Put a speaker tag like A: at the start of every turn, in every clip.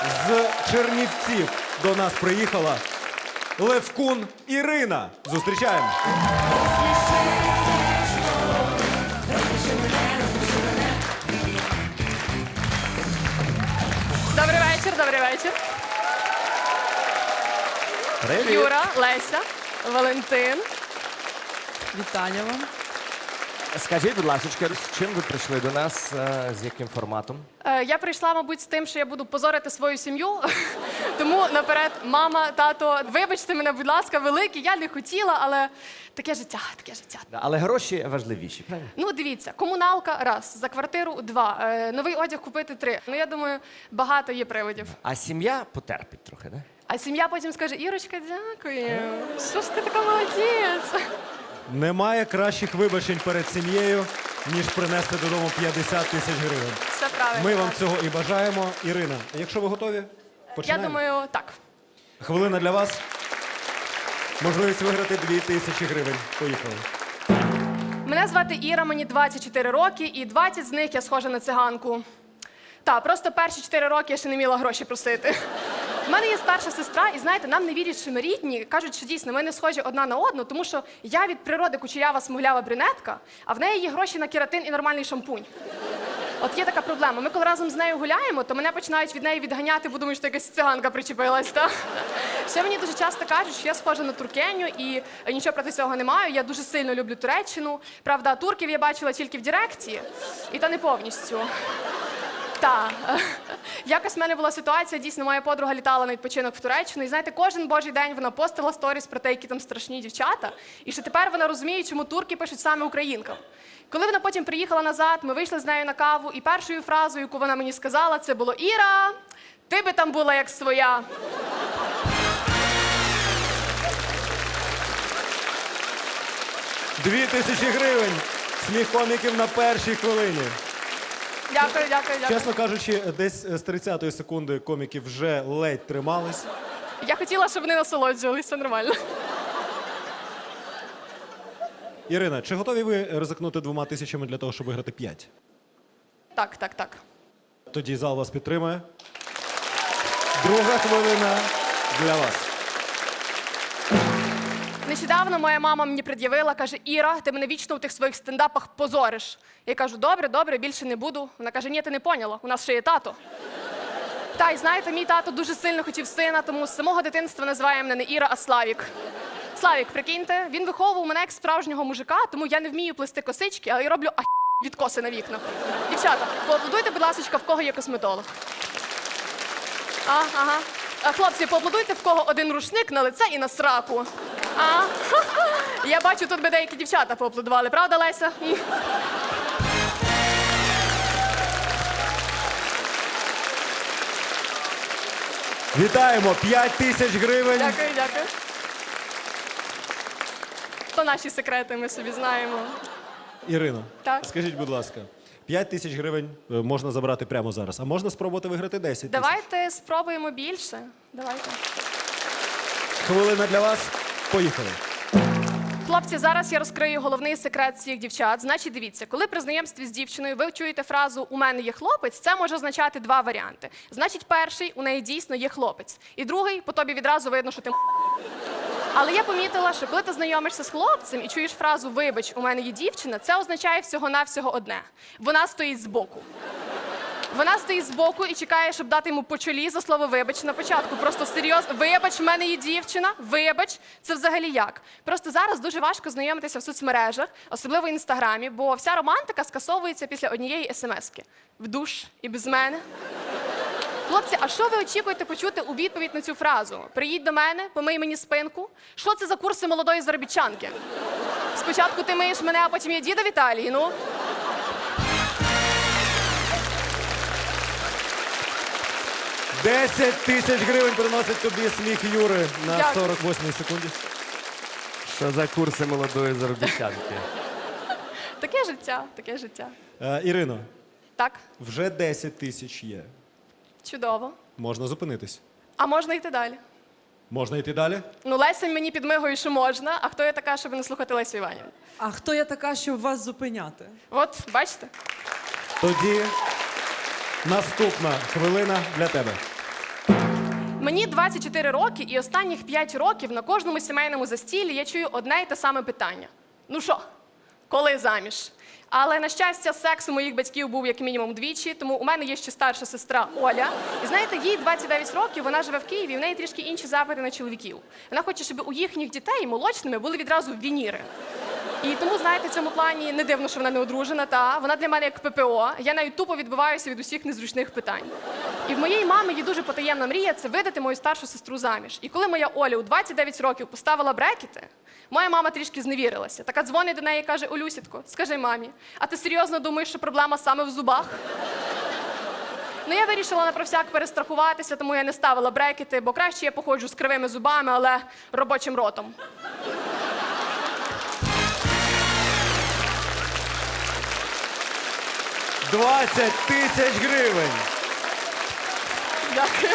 A: З Чернівців до нас приїхала Левкун Ірина. Зустрічаємо.
B: Добрий вечір, добрий вечір.
A: Привіт.
B: Юра, Леся, Валентин.
C: Вітання вам.
D: Скажіть, будь ласка, з чим ви прийшли до нас, з яким форматом?
B: Я прийшла, мабуть, з тим, що я буду позорити свою сім'ю. Тому наперед, мама, тато, вибачте мене, будь ласка, великі. Я не хотіла, але таке життя, таке життя.
D: Але гроші важливіші, правильно?
B: Ну, дивіться, комуналка – раз, за квартиру – два, новий одяг купити – три. Ну, я думаю, багато є приводів.
D: А сім'я потерпить трохи, да?
B: А сім'я потім скаже: Ірочка, дякую. Що ж ти така молодець?
A: Немає кращих вибачень перед сім'єю, ніж принести додому 50 тисяч гривень.
B: Все правильно.
A: Ми вам цього і бажаємо. Ірина, якщо ви готові,
B: Я
A: починаємо.
B: думаю, так.
A: Хвилина для вас. Можливість виграти 2000 гривень. Поїхали.
B: Мене звати Іра, мені 24 роки, і 20 з них я схожа на циганку. Так, просто перші 4 роки я ще не вміла гроші просити. У мене є старша сестра, і знаєте, нам не вірять, що ми рідні. Кажуть, що дійсно ми не схожі одна на одну, тому що я від природи кучерява смуглява брюнетка, а в неї є гроші на кератин і нормальний шампунь. От є така проблема. Ми коли разом з нею гуляємо, то мене починають від неї відганяти, бо думають, що якась циганка причепилась. Та? Ще мені дуже часто кажуть, що я схожа на туркеню, і нічого проти цього не маю. Я дуже сильно люблю Туреччину. Правда, турків я бачила тільки в Директі, і та не повністю. Так. Якось в мене була ситуація, дійсно, моя подруга літала на відпочинок в Туреччину, і знаєте, кожен божий день вона постила сторіс про те, які там страшні дівчата, і що тепер вона розуміє, чому турки пишуть саме українкам. Коли вона потім приїхала назад, ми вийшли з нею на каву, і першою фразою, яку вона мені сказала, це було: Іра, ти би там була як своя.
A: Дві тисячі гривень. Сміх коміків на першій хвилині.
B: Дякую, дякую, дякую.
A: Чесно кажучи, десь з 30-ї секунди коміки вже ледь тримались.
B: Я хотіла, щоб вони насолоджувалися, все нормально.
A: Ірина, чи готові ви ризикнути 2000 для того, щоб виграти 5?
B: Так, так, так.
A: Тоді зал вас підтримує. Друга хвилина для вас.
B: Нещодавно моя мама мені пред'явила, каже: Іра, ти мене вічно у тих своїх стендапах позориш. Я кажу: добре, добре, більше не буду. Вона каже: ні, ти не поняла, у нас ще є тато. Та, і знаєте, мій тато дуже сильно хотів сина, тому з самого дитинства називає мене не Іра, а Славік. Славік, прикиньте, він виховував мене як справжнього мужика, тому я не вмію плести косички, але я роблю відкоси на вікнах. Дівчата, поаплодуйте, будь ласка, в кого є косметолог. Ага. Хлопці, поаплодуйте, в кого один рушник на лице і на сраку. Я бачу, тут би деякі дівчата поаплодували, правда, Леся?
A: Вітаємо! 5000 гривень.
B: Дякую, дякую. То наші секрети, ми собі знаємо.
A: Ірино,
B: Так.
A: скажіть, будь ласка, 5000 гривень можна забрати прямо зараз, а можна спробувати виграти 10 тисяч?
B: Давайте спробуємо більше. Давайте.
A: Хвилина для вас. Поїхали.
B: Хлопці, зараз я розкрию головний секрет всіх дівчат. Значить, дивіться, коли при знайомстві з дівчиною ви чуєте фразу «у мене є хлопець», це може означати два варіанти. Значить, перший – у неї дійсно є хлопець. І другий – по тобі відразу видно, що ти Але я помітила, що коли ти знайомишся з хлопцем і чуєш фразу «вибач, у мене є дівчина», це означає всього-навсього одне. Вона стоїть збоку. Вона стоїть збоку і чекає, щоб дати йому по чолі за слово «вибач» на початку. Просто серйозно. Вибач, в мене є дівчина. Вибач. Це взагалі як? Просто зараз дуже важко знайомитися в соцмережах, особливо в Інстаграмі, бо вся романтика скасовується після однієї смс-ки. В душ і без мене. Хлопці, а що ви очікуєте почути у відповідь на цю фразу? Приїдь до мене, помий мені спинку. Що це за курси молодої заробітчанки? Спочатку ти миєш мене, а потім я діда в Італії, ну?
A: 10 тисяч гривень приносить тобі сміх Юри на
B: Дякую.
A: 48-й секунді.
D: Що за курси молодої заробітчанки?
B: Таке життя, таке життя.
A: Ірино,
B: Так,
A: вже 10 тисяч є.
B: чудово.
A: Можна зупинитись.
B: А можна йти далі?
A: Можна йти далі?
B: Ну, Леся мені підмигує, що можна, а хто я така, щоб не слухати Лесю Іванівну?
C: А хто я така, щоб вас зупиняти?
B: От, бачите?
A: Тоді наступна хвилина для тебе.
B: Мені 24 роки, і останніх 5 років на кожному сімейному застіллі я чую одне й те саме питання. Ну що, коли заміж? Але, на щастя, секс у моїх батьків був як мінімум двічі, тому у мене є ще старша сестра Оля. І знаєте, їй 29 років, вона живе в Києві, і в неї трішки інші запити на чоловіків. Вона хоче, щоб у їхніх дітей молочними були відразу вініри. І тому, знаєте, в цьому плані не дивно, що вона не одружена, та вона для мене як ППО. Я навіть тупо відбиваюся від усіх незручних питань. І в моєї мами є дуже потаємна мрія – це видати мою старшу сестру заміж. І коли моя Оля у 29 років поставила брекети, моя мама трішки зневірилася. Така дзвонить до неї і каже: Олюсітко, скажи мамі, а ти серйозно думаєш, що проблема саме в зубах? Ну, я вирішила на про всяк перестрахуватися, тому я не ставила брекети, бо краще я походжу з кривими зубами, але робочим ротом.
A: «20 тисяч гривень.
B: Дякую.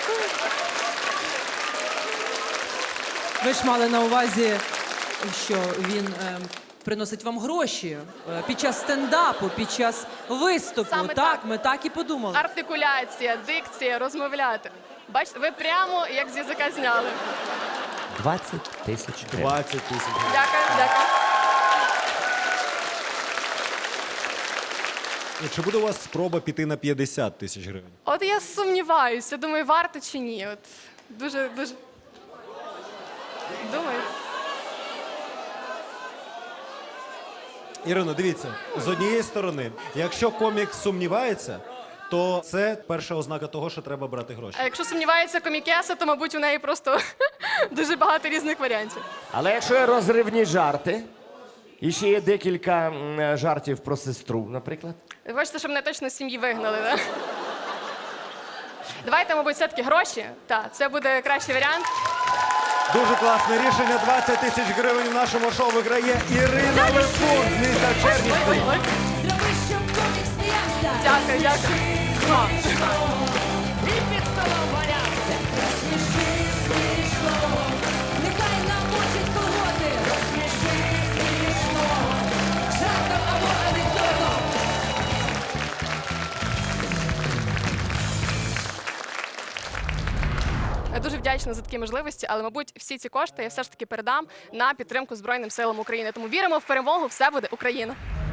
C: Ви ж мали на увазі, що він приносить вам гроші під час стендапу, під час виступу.
B: Саме
C: так,
B: так.
C: ми так і подумали.
B: Артикуляція, дикція, розмовляти. Бачите, ви прямо як з язика зняли.
D: 20 тисяч гривень.
A: 20 тисяч гривень.
B: Дякую, дякую.
A: І чи буде у вас спроба піти на 50 тисяч гривень?
B: От я сумніваюся, думаю, варто чи ні. От дуже. Думаю.
A: Ірино, дивіться, з однієї сторони, якщо комік сумнівається, то це перша ознака того, що треба брати гроші.
B: А якщо сумнівається комікеса, то, мабуть, у неї просто дуже багато різних варіантів.
D: Але якщо є розривні жарти, і ще є декілька жартів про сестру, наприклад.
B: Ви хочете, щоб мене точно з сім'ї вигнали, так? Давайте, мабуть, все-таки гроші. Так, це буде кращий варіант.
A: Дуже класне рішення. 20 тисяч гривень в нашому шоу виграє Ірина Левкун з міста Чернівці.
E: Зроби, щоб комік сміявся.
B: Дякую, дякую.
E: І під столом валявся. Розсміши смішно. Нехай намочить колготи. Розсміши смішно. Жартом або анекдотом.
B: Я дуже вдячна за такі можливості, але, мабуть, всі ці кошти я все ж таки передам на підтримку Збройним силам України. Тому віримо в перемогу, все буде Україна.